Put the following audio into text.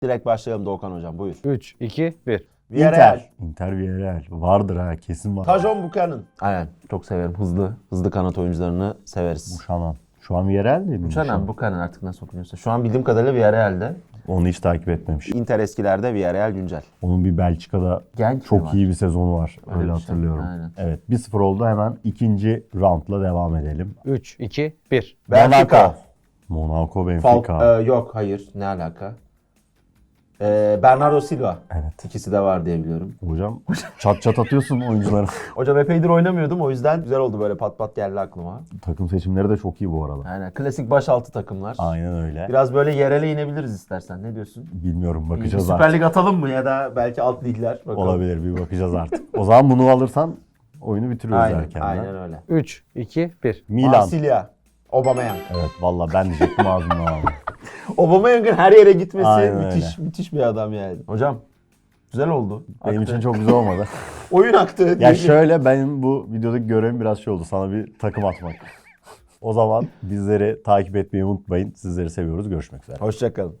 Direkt başlayalım Doğukan hocam, buyur. 3, 2, 1. Villarreal. Inter Villarreal. Vardır ha, kesin var. Tajon Buchanan. Aynen, çok severim. Hızlı kanat oyuncularını severiz. Buchanan. Şu an Villarreal değil mi? Buchanan artık nasıl okunuyorsa. Şu an bildiğim kadarıyla Villarreal'de. Onu hiç takip etmemiş. Inter eskilerde, Villarreal güncel. Onun bir Belçika'da Genç mi çok var? iyi bir sezonu var. Öyle Öyle bir şey. hatırlıyorum. Aynen. Evet, 1-0 oldu. Hemen ikinci roundla devam edelim. 3, 2, 1. Benfica. Monaco, Benfica. Yok, hayır. Ne alaka? Bernardo Silva. Evet. İkisi de var diye biliyorum. Hocam çat çat atıyorsun oyuncuları. Hocam epeydir oynamıyordum, o yüzden güzel oldu, böyle pat pat geldi aklıma. Takım seçimleri de çok iyi bu arada. Aynen, klasik başaltı takımlar. Aynen öyle. Biraz böyle yerele inebiliriz istersen. Ne diyorsun? Bilmiyorum, Bir bakacağız Süper artık. Lig atalım mı ya da belki alt ligler? Bakalım. Olabilir, bir bakacağız artık. O zaman bunu alırsan oyunu bitiriyoruz Aynen, erkenden. aynen öyle. 3, 2, 1. Milan. Marsilya. Aubameyang. Evet, valla ben diyecektim ağzımdan aldım. Aubameyang'ın her yere gitmesi Aynen müthiş bir adam yani. Hocam güzel oldu. Benim Aktı. için çok güzel olmadı. Oyun aktı. Ya diyelim. şöyle, benim bu videodaki görevim biraz şey oldu. Sana bir takım atmak. O zaman bizleri takip etmeyi unutmayın. Sizleri seviyoruz. Görüşmek üzere. Hoşça kalın.